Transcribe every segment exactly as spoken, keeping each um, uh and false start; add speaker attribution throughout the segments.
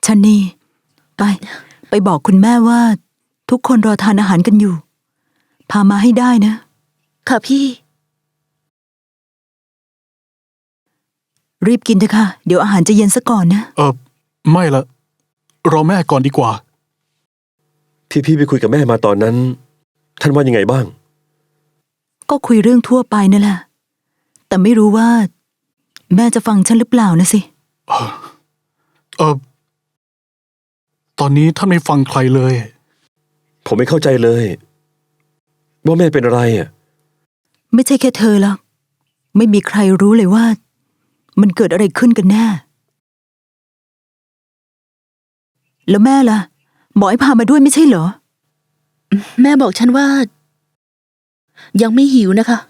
Speaker 1: ชันนีไปไปบอกคุณแม่ว่าทุกคนรอทานอาหารกันอยู่พามาให้ได้นะ
Speaker 2: ค่ะพี่
Speaker 1: รีบกินเถอะค่ะเดี๋ยวอาหารจะเย็นซะก่อนนะ
Speaker 3: เออไม่ละรอแม่ก่อนดีกว่า
Speaker 4: ที่พี่ไปคุยกับแม่มาตอนนั้นท่านว่ายังไงบ้าง
Speaker 1: ก็คุยเรื่องทั่วไปนั่นแหละแต่ไม่รู้ว่าแม่จะฟังฉันหรือเปล่านะสิ
Speaker 3: เออเออตอนนี้ท่านไม่ฟังใครเลย
Speaker 4: ผมไม่เข้าใจเลยว่าแม่เป็นอะไรอ่ะ
Speaker 1: ไม่ใช่แค่เธอหรอกไม่มีใครรู้เลยว่ามันเกิดอะไรขึ้นกันแน่แล้วแม่ล่ะหมอให้พามาด้วยไม่ใช่เหรอ
Speaker 2: แม่บอกฉันว่ายังไม่หิวนะคะ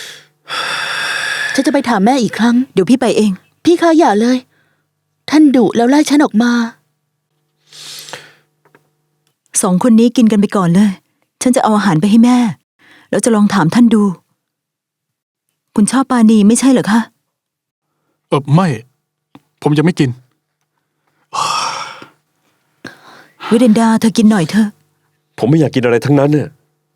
Speaker 2: ฉันจะไปถามแม่อีกครั้ง
Speaker 1: เดี๋ยวพี่ไปเอง
Speaker 2: พี่คะอย่าเลยท่านดุแล้วไล่ฉันออกมา
Speaker 1: สองคนนี้กินกันไปก่อนเลยฉันจะเอาอาหารไปให้แม่แล้วจะลองถามท่านดูคุณชอบปานีไม่ใช่เหรอคะ
Speaker 3: เออไม่ผมจะไม่กิน
Speaker 1: วิเดนดาเธอกินหน่อยเถอะ
Speaker 4: ผมไม่อยากกินอะไรทั้งนั้นเนี่ย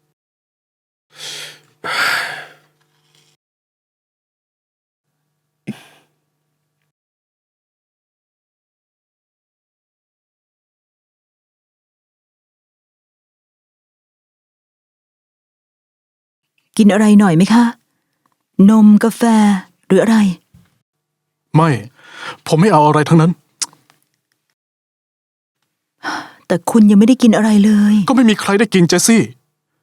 Speaker 1: กินอะไรหน่อยไหมคะนมกาแฟหรืออะไร
Speaker 3: ไม่ผมไม่เอาอะไรทั้งนั้น
Speaker 1: แต่คุณยังไม่ได้กินอะไรเลย
Speaker 3: ก็ไม่มีใครได้กินเจสซี่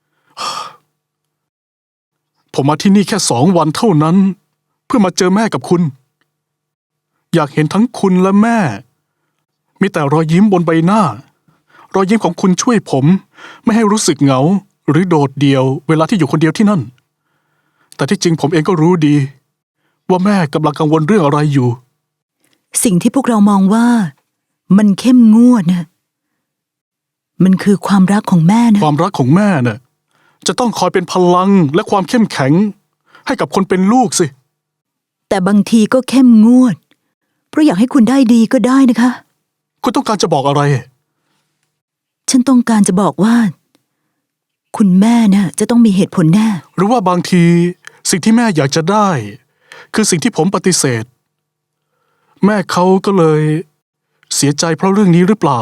Speaker 3: ผมมาที่นี่แค่สองวันเท่านั้นเพื่อมาเจอแม่กับคุณอยากเห็นทั้งคุณและแม่มีแต่รอยยิ้มบนใบหน้ารอยยิ้มของคุณช่วยผมไม่ให้รู้สึกเหงาหรือโดดเดี่ยวเวลาที่อยู่คนเดียวที่นั่นแต่ที่จริงผมเองก็รู้ดีว่าแม่กำลังกังวลเรื่องอะไรอยู่
Speaker 1: สิ่งที่พวกเรามองว่ามันเข้มงวดนะมันคือความรักของแม่นะ
Speaker 3: ความรักของแม่น่ะจะต้องคอยเป็นพลังและความเข้มแข็งให้กับคนเป็นลูกสิ
Speaker 1: แต่บางทีก็เข้มงวดเพราะอยากให้คุณได้ดีก็ได้นะคะ
Speaker 3: คุณต้องการจะบอกอะไร
Speaker 1: ฉันต้องการจะบอกว่าคุณแม่น่ะจะต้องมีเหตุผลแน่
Speaker 3: หรือว่าบางทีสิ่งที่แม่อยากจะได้คือสิ่งที่ผมปฏิเสธแม่เขาก็เลยเสียใจเพราะเรื่องนี้หรือเปล่า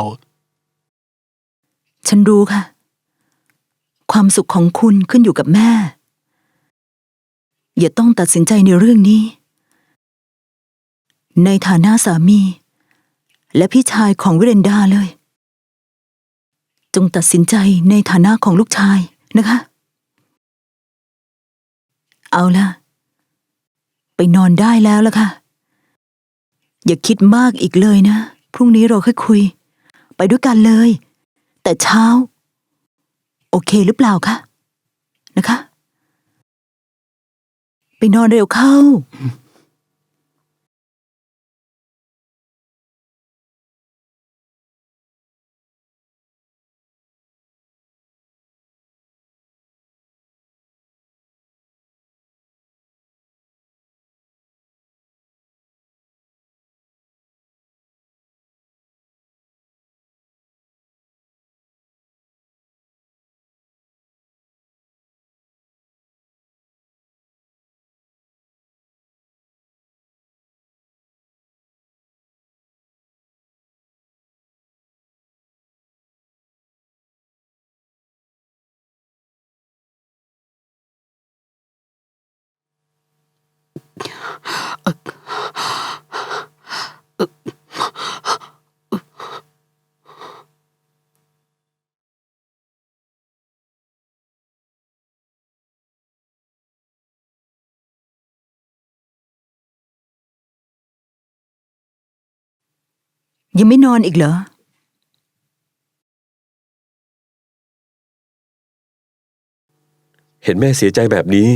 Speaker 1: ฉันรู้ค่ะความสุขของคุณขึ้นอยู่กับแม่อย่าต้องตัดสินใจในเรื่องนี้ในฐานะสามีและพี่ชายของวิเรนดาเลยจงตัดสินใจในฐานะของลูกชายนะคะเอาล่ะไปนอนได้แล้วล่ะค่ะอย่าคิดมากอีกเลยนะพรุ่งนี้เราค่อยคุยไปด้วยกันเลยแต่เช้าโอเคหรือเปล่าคะนะคะไปนอนเร็วเข้ายังไม่นอนอีกเหรอ
Speaker 4: เห็นแม่เสียใจแบบนี้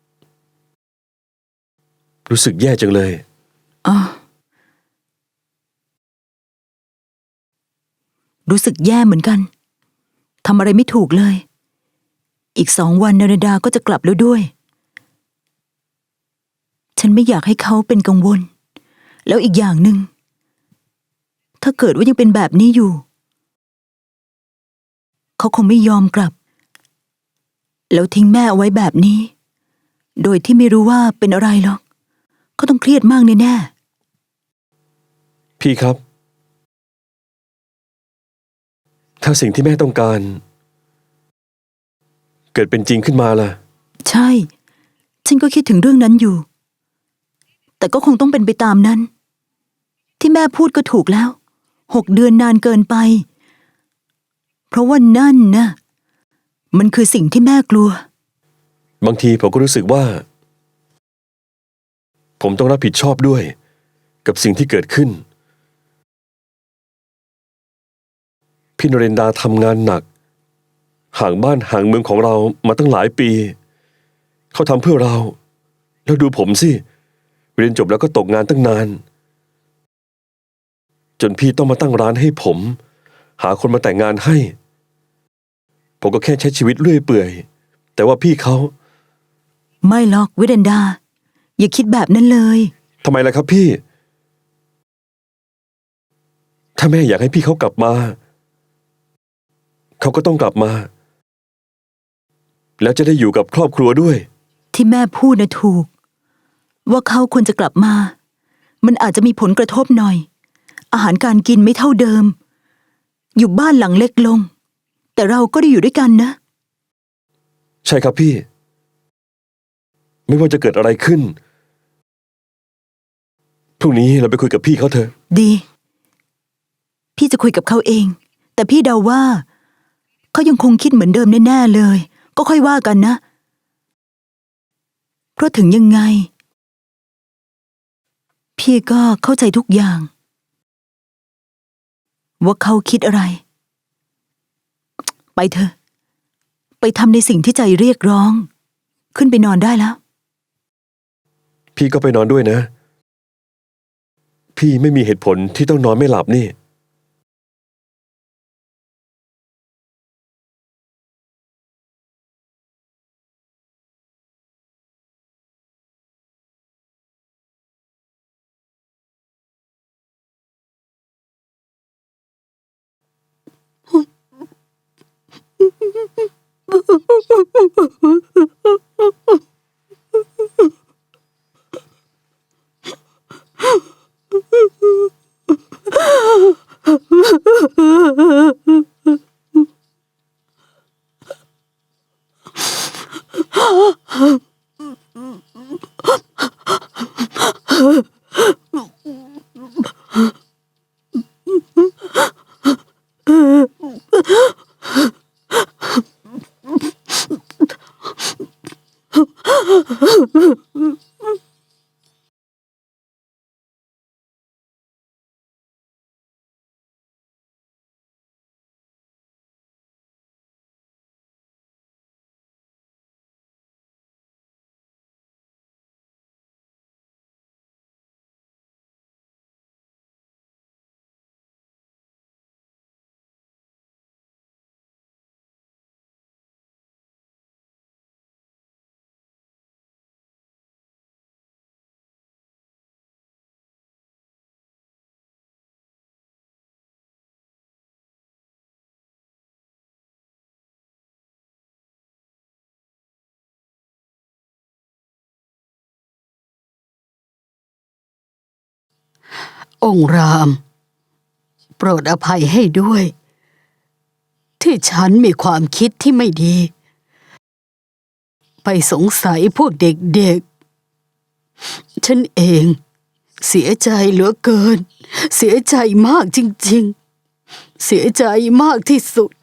Speaker 4: รู้สึกแย่จังเลย
Speaker 1: อ๋อรู้สึกแย่เหมือนกันทำอะไรไม่ถูกเลยอีกสองวันนารดาก็จะกลับแล้วด้วยฉันไม่อยากให้เขาเป็นกังวลแล้วอีกอย่างหนึ่งถ้าถ้าเกิดว่ายังเป็นแบบนี้อยู่ เขาคงไม่ยอมกลับ แล้วทิ้งแม่เอาไว้แบบนี้ โดยที่ไม่รู้ว่าเป็นอะไรหรอกเขาต้องเครียดมากแน่
Speaker 4: พี่ครับ ถ้าสิ่งที่แม่ต้องการ เกิดเป็นจริงขึ้นมาล่ะ
Speaker 1: ๆใช่ ฉันก็คิดถึงเรื่องนั้นอยู่ แต่ก็คงต้องเป็นไปตามนั้น ที่แม่พูดก็ถูกแล้ว หกเดือนนานเกินไป เพราะว่านั่นนะมันคือสิ่งที่แม่กลัว
Speaker 4: บางทีผมก็รู้สึกว่า ผมต้องรับผิดชอบด้วย กับสิ่งที่เกิดขึ้น พี่นเรนดาทำงานหนัก ห่างบ้านห่างเมืองของเรามาตั้งหลายปี เขาทำเพื่อเรา แล้วดูผมสิ เรียนจบแล้วก็ตกงานตั้งนาน จนพี่ต้องมาตั้งร้านให้ผม หาคนมาแต่งงานให้ ผมก็แค่ใช้ชีวิตเรื่อยเปื่อย แต่ว่าพี่เขา
Speaker 1: ไม่หรอกวิเดนดา อย่าคิดแบบนั้นเลย
Speaker 4: ทำไมล่ะครับพี่ ถ้าแม่อยากให้พี่เขากลับมา เขาก็ต้องกลับมา แล้วจะได้อยู่กับครอบครัวด้วย
Speaker 1: ที่แม่พูดนะถูก ว่าเขาควรจะกลับมา มันอาจจะมีผลกระทบหน่อย อาหารการกินไม่เท่าเดิม อยู่บ้านหลังเล็กลง แต่เราก็ได้อยู่ด้วยกันนะ
Speaker 4: ใช่ครับพี่ ไม่ว่าจะเกิดอะไรขึ้น พรุ่งนี้เราไปคุยกับพี่เขาเถอะ
Speaker 1: ดี พี่จะคุยกับเขาเอง แต่พี่เดาว่า เขายังคงคิดเหมือนเดิมแน่ๆเลย ก็ค่อยว่ากันนะ เพราะถึงยังไง พี่ก็เข้าใจทุกอย่าง ว่าเขาคิดอะไร ไปเถอะ ไปทำในสิ่งที่ใจเรียกร้อง ขึ้นไปนอนได้แล้ว
Speaker 4: พี่ก็ไปนอนด้วยนะ พี่ไม่มีเหตุผลที่ต้องนอนไม่หลับนี่
Speaker 5: องค์ราม โปรดอภัยให้ด้วย ที่ฉันมีความคิดที่ไม่ดี ไปสงสัยพวกเด็กๆ ฉันเองเสียใจเหลือเกิน เสียใจมากจริงๆ เสียใจมากที่สุด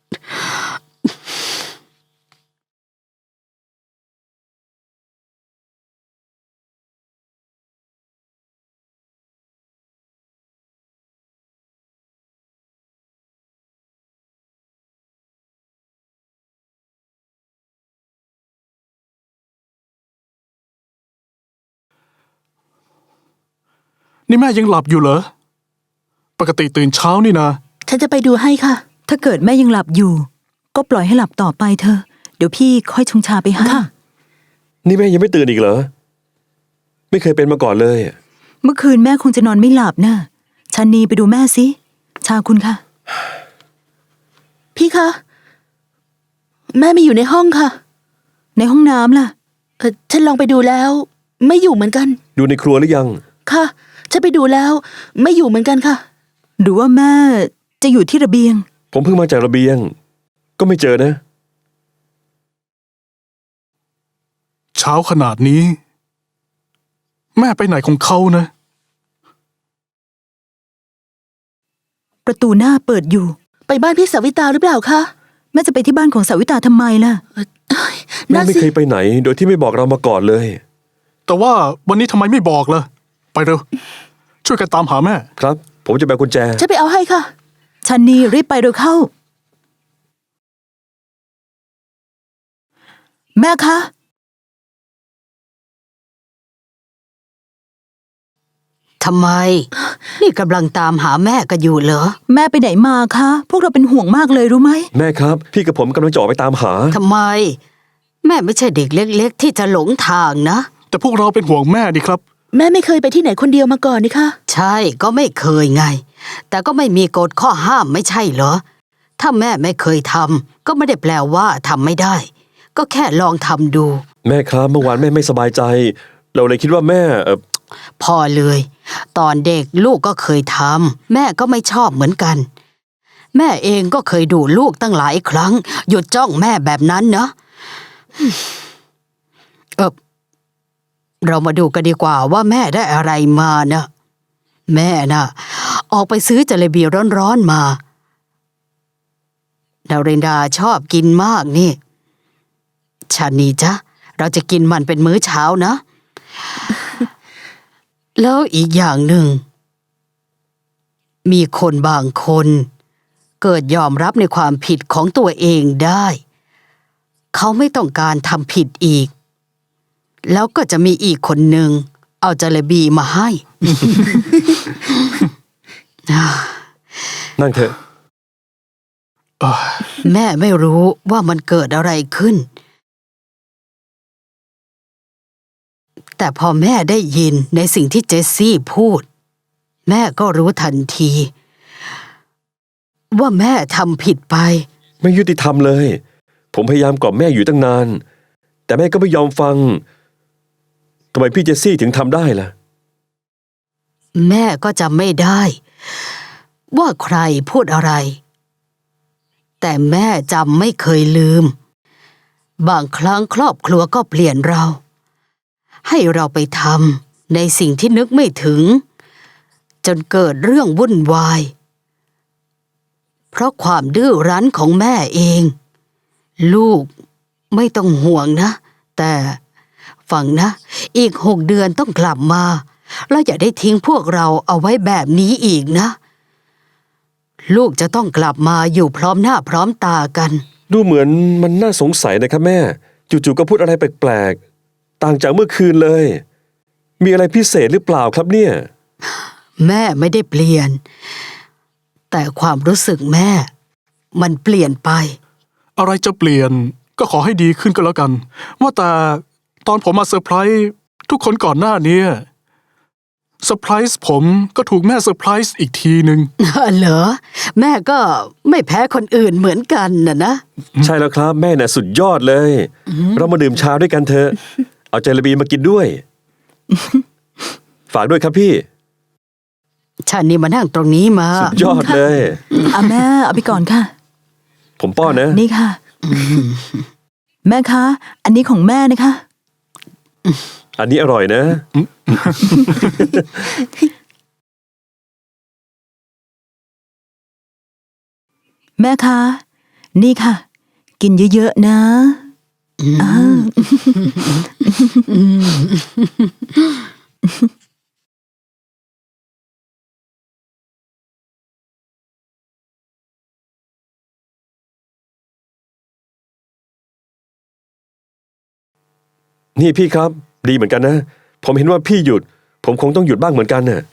Speaker 3: นี่แม่ยังหลับอยู่เหรอ ปกติตื่นเช้านี่นะ
Speaker 2: ฉันจะไปดูให้ค่ะ
Speaker 1: ถ้าเกิดแม่ยังหลับอยู่ ก็ปล่อยให้หลับต่อไปเถอะ เดี๋ยวพี่ค่อยชงชาไปให้
Speaker 2: ค่ะ
Speaker 4: นี่แม่ยังไม่ตื่นอีกเหรอ ไม่เคยเป็นมาก่อนเลย
Speaker 1: เมื่อคืนแม่คงจะนอนไม่หลับนะชันนีไปดูแม่สิชาคุณค่ะ
Speaker 2: พี่คะ แม่ไม่อยู่ในห้องค่ะ
Speaker 1: ในห้องน้ำล่ะ
Speaker 2: เออฉันลองไปดูแล้ว ไม่อยู่เหมือนกัน
Speaker 4: ดูในครัวหรือยัง
Speaker 2: ค่ะ ฉันไปดูแล้ว ไม่อยู่เหมือนกันค่ะ
Speaker 1: หรือว่าแม่จะอยู่ที่ระเบียง
Speaker 4: ผมเพิ่งมาจากระเบียง ก็ไม่เจอนะ
Speaker 3: เช้าขนาดนี้ แม่ไปไหนของเขานะ
Speaker 1: ประตูหน้าเปิดอยู่
Speaker 2: ไปบ้านพี่สาวิตาหรือเปล่าคะ
Speaker 1: แม่จะไปที่บ้านของสาวิตาทำไมล่ะ
Speaker 4: แม่
Speaker 2: นั่น
Speaker 4: ไม่
Speaker 2: สิ
Speaker 4: เคยไปไหน โดยที่ไม่บอกเรามาก่อนเลย
Speaker 3: แต่ว่าวันนี้ทำไมไม่บอกล่ะ ไปเร็ว ช่วยกันตามหาแม่
Speaker 4: ครับ ผมจะแบกกุญแจ
Speaker 2: ฉันไปเอาให้ค่ะ
Speaker 1: ชันนี่รีบไปเร็วเข้า แม่คะ
Speaker 5: ทำไม นี่กำลังตามหาแม่กันอยู่เหรอ
Speaker 1: แม่ไปไหนมาคะ พวกเราเป็นห่วงมากเลยรู้ไหม
Speaker 4: แม่ครับ พี่กับผมกำลังจะออกไปตามหา
Speaker 5: ทำไม แม่ไม่ใช่เด็กเล็กๆ ที่จะหลงทางนะ
Speaker 3: แต่พวกเราเป็นห่วงแม่ดีครับ
Speaker 2: แม่ไม่เคยไปที่ไหนคนเดียวมาก่อนนี่คะ
Speaker 5: ใช่ก็ไม่เคยไง แต่ก็ไม่มีกฎข้อห้ามไม่ใช่เหรอ ถ้าแม่ไม่เคยทำก็ไม่ได้แปลว่าทำไม่ได้ ก็แค่ลองทำดู
Speaker 4: แม่ครับ เมื่อวานแม่ไม่สบายใจ เราเลยคิดว่าแม่เออ
Speaker 5: พอเลย ตอนเด็กลูกก็เคยทำแม่ก็ไม่ชอบเหมือนกัน แม่เองก็เคยดูลูกตั้งหลายครั้ง หยุดจ้องแม่แบบนั้นนะเออเรามาดูกันดีกว่าว่าแม่ได้อะไรมานะแม่น่ะ ออกไปซื้อจาเลบีร้อนๆมาดาวเรนดาชอบกินมากนี่ชานีจ๊ะเราจะกินมันเป็นมื้อเช้านะ แล้วอีกอย่างหนึ่ง มีคนบางคน เกิดยอมรับในความผิดของตัวเองได้ เขาไม่ต้องการทำผิดอีก แล้วก็จะมีอีกคนหนึ่ง เอาจาเลบีมาให้
Speaker 4: นั่งเถอะ
Speaker 5: แม่ไม่รู้ว่ามันเกิดอะไรขึ้น แต่พอแม่ได้ยินในสิ่งที่เจสซี่พูด แม่ก็รู้ทันที ว่าแม่ทำผิดไป
Speaker 4: ไม่ยุติธรรมเลย ผมพยายามกล่อมแม่อยู่ตั้งนาน แต่แม่ก็ไม่ยอมฟัง ทำไมพี่เจสซี่ถึงทำได้ล่ะ
Speaker 5: แม่ก็จำไม่ได้ ว่าใครพูดอะไร แต่แม่จำไม่เคยลืม บางครั้งครอบครัวก็เปลี่ยนเรา ให้เราไปทำในสิ่งที่นึกไม่ถึง จนเกิดเรื่องวุ่นวาย เพราะความดื้อรั้นของแม่เอง ลูกไม่ต้องห่วงนะ แต่ฟังนะ อีกหกเดือนต้องกลับมาแล้วอย่าได้ทิ้งพวกเราเอาไว้แบบนี้อีกนะ ลูกจะต้องกลับมาอยู่พร้อมหน้าพร้อมตากัน
Speaker 4: ดูเหมือนมันน่าสงสัยนะครับแม่ จู่ๆก็พูดอะไรแปลกๆ ต่างจากเมื่อคืนเลย มีอะไรพิเศษหรือเปล่าครับเนี่ย
Speaker 5: แม่ไม่ได้เปลี่ยน แต่ความรู้สึกแม่ มันเปลี่ยนไป
Speaker 3: อะไรจะเปลี่ยนก็ขอให้ดีขึ้นก็แล้วกัน ว่าแต่ตอนผมมาเซอร์ไพรส์ทุกคนก่อนหน้านี้เซอร์ไพรส์ผมก็ถูกแม่เซอร์ไพรส์อีกทีหนึ่ง
Speaker 5: เหรอ แม่ก็ไม่แพ้คนอื่นเหมือนกันน่ะนะ
Speaker 4: ใช่แล้วครับแม่น่ะสุดยอดเลย เรามาดื่มชาด้วยกันเถอะ เอาเจลาบีมากินด้วย ฝากด้วยครับพี่
Speaker 5: ฉันนี่มานั่งตรงนี้มา
Speaker 4: สุดยอดเลย
Speaker 1: อ่ะแม่เอาไปก่อนค่ะ
Speaker 4: ผมป้อนนะ
Speaker 1: นี่ค่ะ แม่คะ อันนี้ของแม่นะคะ
Speaker 4: อันนี้อร่อยนะ
Speaker 1: แม่คะ นี่ค่ะ กินเยอะๆนะอ่า
Speaker 4: นี่พี่ครับ ดีเหมือนกันนะ ผมเห็นว่าพี่หยุด ผมคงต้องหยุดบ้างเหมือนกันน่ะ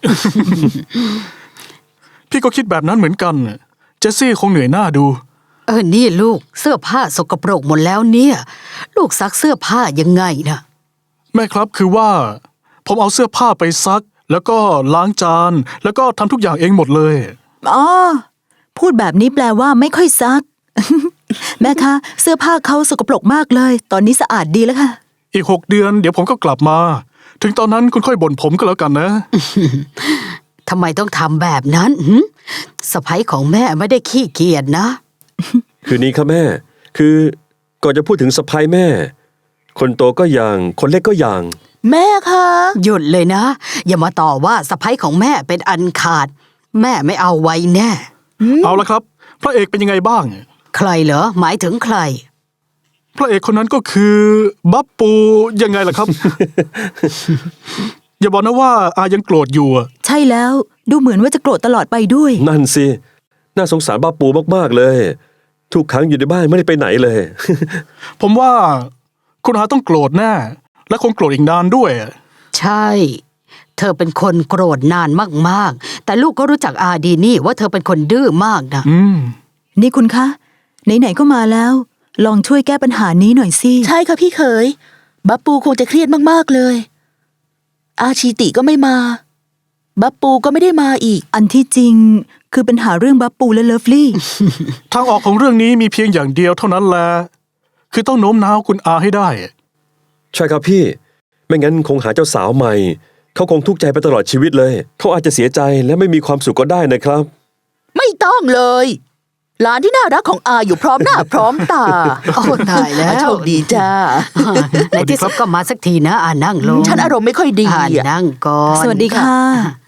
Speaker 3: พี่ก็คิดแบบนั้นเหมือนกันน่ะเจสซี่คงเหนื่อยหน้าดู
Speaker 5: เออนี่ลูกเสื้อผ้าสกปรกหมดแล้วเนี่ย ลูกซักเสื้อผ้ายังไงนะ
Speaker 3: แม่ครับคือว่า ผมเอาเสื้อผ้าไปซัก แล้วก็ล้างจาน แล้วก็ทำทุกอย่างเองหมดเลย
Speaker 1: อ๋อ พูดแบบนี้แปลว่าไม่ค่อยซัก แม่คะเสื้อผ้าเขาสกปรกมากเลย ตอนนี้สะอาดดีแล้วค่ะ
Speaker 3: อีกหกเดือนเดี๋ยวผมก็กลับมา ถึงตอนนั้นคุณค่อยบ่นผมก็แล้วกันนะ
Speaker 5: ทำไมต้องทำแบบนั้นหึสะใภ้ของแม่ไม่ได้ขี้เกียจนะ
Speaker 4: คือนี้ครับแม่ คือก่อนจะพูดถึงสะพ้ายแม่ คนโตก็อย่าง คนเล็กก็อย่าง
Speaker 2: แม่คะ
Speaker 5: หยุดเลยนะ อย่ามาต่อว่าสะใภ้ของแม่เป็นอันขาด แม่ไม่เอาไว้แน่
Speaker 3: เอาละครับ พระเอกเป็นยังไงบ้าง
Speaker 5: ใครเหรอ หมายถึงใคร
Speaker 3: พระเอกคนนั้นก็คือบับปูยังไงล่ะครับ อย่าบอกนะว่าอายังโกรธอยู่อะ
Speaker 1: ใช่แล้วดูเหมือนว่าจะโกรธตลอดไปด้วย
Speaker 4: นั่นสิ น่าสงสารบ้าปูมากๆเลย ทุกครั้งอยู่ในบ้านไม่ได้ไปไหนเลย
Speaker 3: ผมว่าคุณอาต้องโกรธแน่ และคงโกรธอีกนานด้วย
Speaker 5: ใช่ เธอเป็นคนโกรธนานมากๆ แต่ลูกก็รู้จักอาดีนี่ว่าเธอเป็นคนดื้อมากนะ
Speaker 3: อืม
Speaker 1: นี่คุณคะ ไหนๆก็มาแล้ว ลองช่วยแก้ปัญหานี้หน่อยสิ
Speaker 2: ใช่ค่ะพี่เขยบับปูคงจะเครียดมากๆเลย อาชีติก็ไม่มา บับปูก็ไม่ได้มาอีก
Speaker 1: อันที่จริงคือปัญหาเรื่องบับปูและเลิฟลี่
Speaker 3: ทางออกของเรื่องนี้มีเพียงอย่างเดียวเท่านั้นแหละ คือต้องโน้มน้าวคุณอาให้ได้
Speaker 4: ใช่ครับพี่ ไม่งั้นคงหาเจ้าสาวใหม่ เขาคงทุกข์ใจไปตลอดชีวิตเลย เขาอาจจะเสียใจและไม่มีความสุขก็ได้นะครับ
Speaker 2: ไม่ต้องเลย หลานที่น่ารักของอาอยู่พร้อมหน้า พร้อมตา
Speaker 5: โอ้ตายแล้ว
Speaker 2: โชคดีจ้า
Speaker 5: ในที่สุดก็มาสักทีนะอ่านั่งลง
Speaker 2: ฉันอารมณ์ไม่ค่อยดี
Speaker 5: อ่า
Speaker 2: อะ
Speaker 5: นั่งก่อน
Speaker 1: สวัสดีค่ะ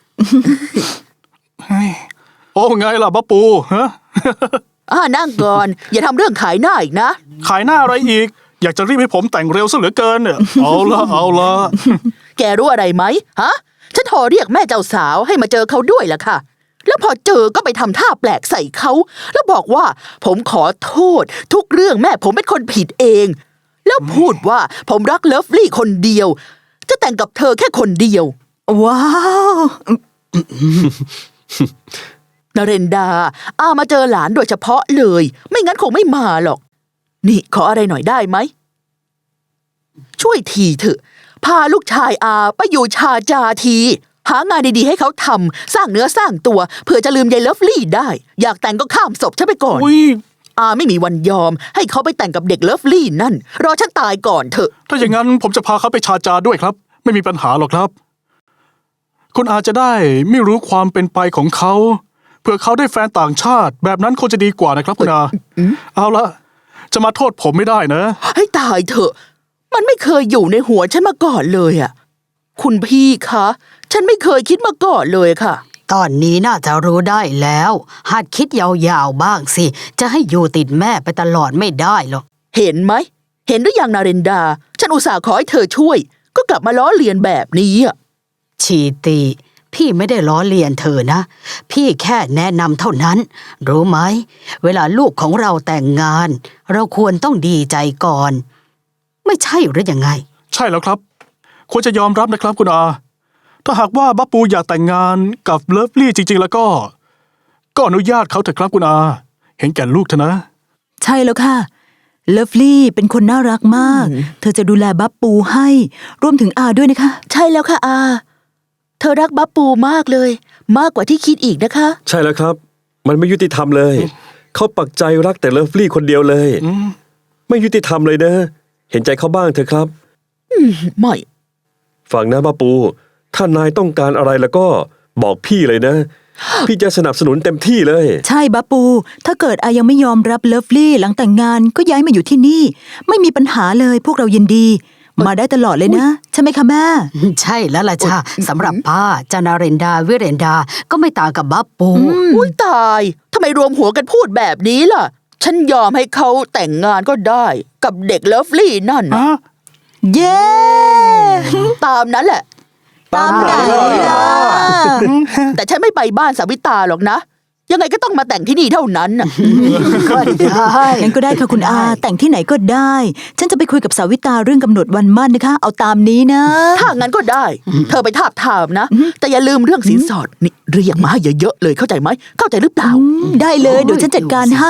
Speaker 3: โอ้ไงล่ะบับปูฮะ
Speaker 2: อ่านั่งก่อน อย่าทำเรื่องขายหน้าอีกนะ
Speaker 3: ขายหน้าอะไรอีก อยากจะรีบให้ผมแต่งเร็วซะเหลือเกินเนี่ย เอาละเอาละ
Speaker 2: แกรู้อะไรไหมฮะ ฉันโทรเรียกแม่เจ้าสาวให้มาเจอเขาด้วยล่ะค่ะ แล้วพอเจอก็ไปทำท่าแปลกใส่เขา แล้วบอกว่าผมขอโทษ ทุกเรื่องแม่ผมเป็นคนผิดเอง แล้วพูดว่าผมรักเลิฟลี่คนเดียว จะแต่งกับเธอแค่คนเดียว
Speaker 1: ว้าว
Speaker 2: นเรนดา อามาเจอหลานโดยเฉพาะเลย ไม่งั้นคงไม่มาหรอก นี่ขออะไรหน่อยได้ไหม ช่วยทีเถอะ พาลูกชายอาไปอยู่ชาจาที หางานดีๆให้เขาทำ สร้างเนื้อสร้างตัวเผื่อจะลืมยายเลิฟลี่ได้ อยากแต่งก็ข้ามศพฉันไปก่อน
Speaker 3: อุ้ย
Speaker 2: อาไม่มีวันยอม ให้เขาไปแต่งกับเด็กเลิฟลี่นั่น รอฉันตายก่อนเถอะ
Speaker 3: ถ้าอย่างนั้นผมจะพาเขาไปชาจาด้วยครับ ไม่มีปัญหาหรอกครับ คุณอาจะได้ไม่รู้ความเป็นไปของเขาเผื่อเขาได้แฟนต่างชาติ แบบนั้นคงจะดีกว่านะครับคุณอาเอาละจะมาโทษผมไม่ได้นะ
Speaker 2: ให้ตายเถอะ มันไม่เคยอยู่ในหัวฉันมาก่อนเลยอ่ะ คุณพี่คะ ฉันไม่เคยคิดมาก่อนเลยค่ะ
Speaker 5: ตอนนี้น่าจะรู้ได้แล้ว หัดคิดยาวๆบ้างสิ จะให้อยู่ติดแม่ไปตลอดไม่ได้หรอก
Speaker 2: เห็นไหม เห็นหรือยังนาเรนดา ฉันอุตส่าห์ขอให้เธอช่วย ก็กลับมาล้อเลียนแบบนี้อ่ะ
Speaker 5: ชีตีพี่ไม่ได้ล้อเลียนเธอนะ พี่แค่แนะนำเท่านั้น รู้ไหม เวลาลูกของเราแต่งงาน เราควรต้องดีใจก่อน ไม่ใช่หรือยังไง
Speaker 3: ใช่แล้วครับ ควรจะยอมรับนะครับคุณอา ถ้าหากว่าบับปูอยากแต่งงานกับเลิฟลี่จริงๆ แล้วก็ ก็อนุญาตเขาเถอะครับคุณอา เห็นแก่ลูกเถอะนะ
Speaker 1: ใช่แล้วค่ะ เลิฟลี่เป็นคนน่ารักมาก เธอจะดูแลบับปูให้ รวมถึงอาด้วยนะคะ
Speaker 2: ใช่แล้วค่ะอา เธอรักบับปูมากเลย มากกว่าที่คิดอีกนะคะ
Speaker 4: ใช่แล้วครับ มันไม่ยุติธรรมเลย เขาปักใจรักแต่เลิฟลี่คนเดียวเลย ไม่ยุติธรรมเลยนะ เห็นใจเขาบ้างเถอะครับ
Speaker 2: ไม่
Speaker 4: ฟังนะบ้าปู ถ้านายต้องการอะไรแล้วก็บอกพี่เลยนะ พี่จะสนับสนุนเต็มที่เลย
Speaker 1: ใช่บับปู ถ้าเกิดอายังไม่ยอมรับเลิฟลี่หลังแต่งงานก็ย้ายมาอยู่ที่นี่ ไม่มีปัญหาเลยพวกเรายินดี มาได้ตลอดเลยนะ ใช่ไหมคะแม่
Speaker 5: ใช่แล้วล่ะจ้าสำหรับป้าจานาเรนดาวิเรนดาก็ไม่ต่างกับบับปู
Speaker 2: อุ้ยตายทำไมรวมหัวกันพูดแบบนี้ล่ะ ฉันยอมให้เขาแต่งงานก็ได้ กับเด็กเลิฟลี่นั่นน่ะ
Speaker 3: ฮะ
Speaker 1: เย้
Speaker 2: ตามนั้นแหละ
Speaker 1: ตามไหนล่ะ
Speaker 2: แต่ฉันไม่ไปบ้านสาวิตาหรอกนะ ยังไงก็ต้องมาแต่งที่นี่เท่านั้นน่ะ
Speaker 5: ก็ได้
Speaker 1: งั้นก็ได้ค่ะคุณอา แต่งที่ไหนก็ได้ ฉันจะไปคุยกับสาวิตาเรื่องกำหนดวันมั่นนะคะ เอาตามนี้นะ
Speaker 2: ถ้างั้นก็ได้ เธอไปทาบทามนะ แต่อย่าลืมเรื่องสินสอดนี่เรียกมาให้เยอะๆเลยเข้าใจไหม เข้าใจหรือเปล่า
Speaker 1: ได้เลยเดี๋ยวฉันจัดการให้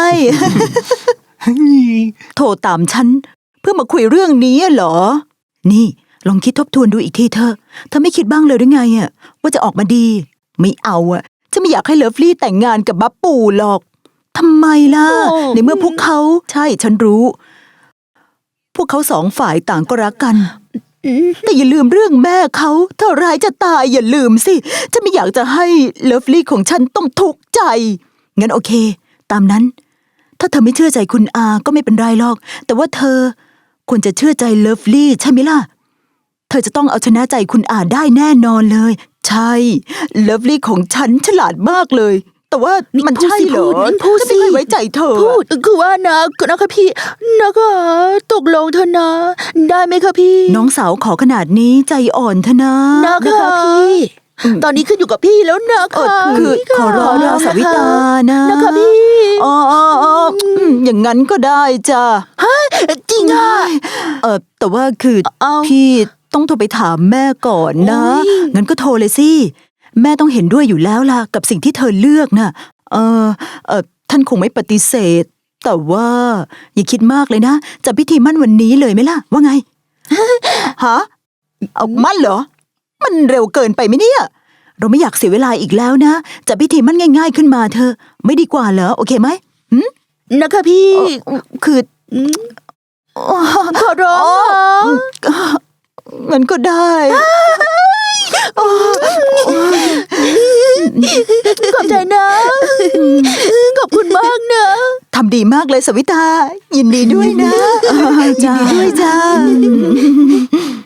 Speaker 1: โทรตามฉัน เพื่อมาคุยเรื่องนี้เหรอ นี่ลองคิดทบทวนดูอีกทีเถอะเธอไม่คิดบ้างเลยหรือไงอะว่าจะออกมาดี ไม่เอาอะจะก็ไม่อยากให้เลิฟลี่แต่งงานกับบับปู่หรอกทำไมล่ะ
Speaker 2: โอ้
Speaker 1: ในเมื่อพวกเขาใช่ฉันรู้ พวกเขาสองฝ่ายต่างก็รักกัน แต่อย่าลืมเรื่องแม่เขาถ้าร้ายจะตายอย่าลืมสิฉันไม่อยากจะให้เลิฟลี่ของฉันต้องทุกข์ใจงั้นโอเค ตามนั้น ถ้าเธอไม่เชื่อใจคุณอาก็ไม่เป็นไรหรอก แต่ว่าเธอควรจะเชื่อใจเลิฟลี่ใช่ไหมล่ะ เธอจะต้องเอาชนะใจคุณอาได้แน่นอนเลย ใช่เลิฟลี่ของฉันฉลาดมากเลย แต่ว่ามันใช่เหรอ
Speaker 2: พูด
Speaker 1: ฉัน
Speaker 2: สิ
Speaker 1: ไม่เคยไว้ใจเธอ
Speaker 2: พูดคือว่านะนะคะพี่นะคะตกลงเถอะนะ ได้ไหมคะพี่
Speaker 1: น้องสาวขอขนาดนี้ใจอ่อนเถอะนะ
Speaker 2: นะคะพี่ ตอนนี้ขึ้นอยู่กับพี่แล้วนะ
Speaker 1: เออ
Speaker 2: คะ
Speaker 1: คือ
Speaker 2: พี่
Speaker 1: ขอร้อง
Speaker 2: ข
Speaker 1: นะสาวิตานะ
Speaker 2: นะคะพี่
Speaker 1: อ๋ออ๋ออ๋ออืมอย่างนั้นก็ได้จ้ะ
Speaker 2: จริงอ่ะ
Speaker 1: เออแต่ว่าคือ
Speaker 2: เอา
Speaker 1: พี่ต้องโทรไปถามแม่ก่อนนะ
Speaker 2: โอ้ย
Speaker 1: งั้นก็โทรเลยสิแม่ต้องเห็นด้วยอยู่แล้วล่ะกับสิ่งที่เธอเลือกน่ะ เออเออท่านคงไม่ปฏิเสธ แต่ว่า อย่าคิดมากเลยนะจะพิธีมั่นวันนี้เลยไหมล่ะ ว่าไง ฮะเอามั่นเหรอ มันเร็วเกินไปไหมเนี่ย เราไม่อยากเสียเวลาอีกแล้วนะจะพิธีมั่นง่าย ๆขึ้นมาเธอ ไม่ดีกว่าเหรอโอเคไหม
Speaker 2: นะคะพี่
Speaker 1: เอ่อคือ
Speaker 2: ขอร้องนะ
Speaker 1: งั้นก็ได้
Speaker 2: ขอบใจนะ ขอบคุณมากนะ
Speaker 1: ทำดีมากเลยสวิตา ยินดีด้วยนะ ยินดีด้วยจ้า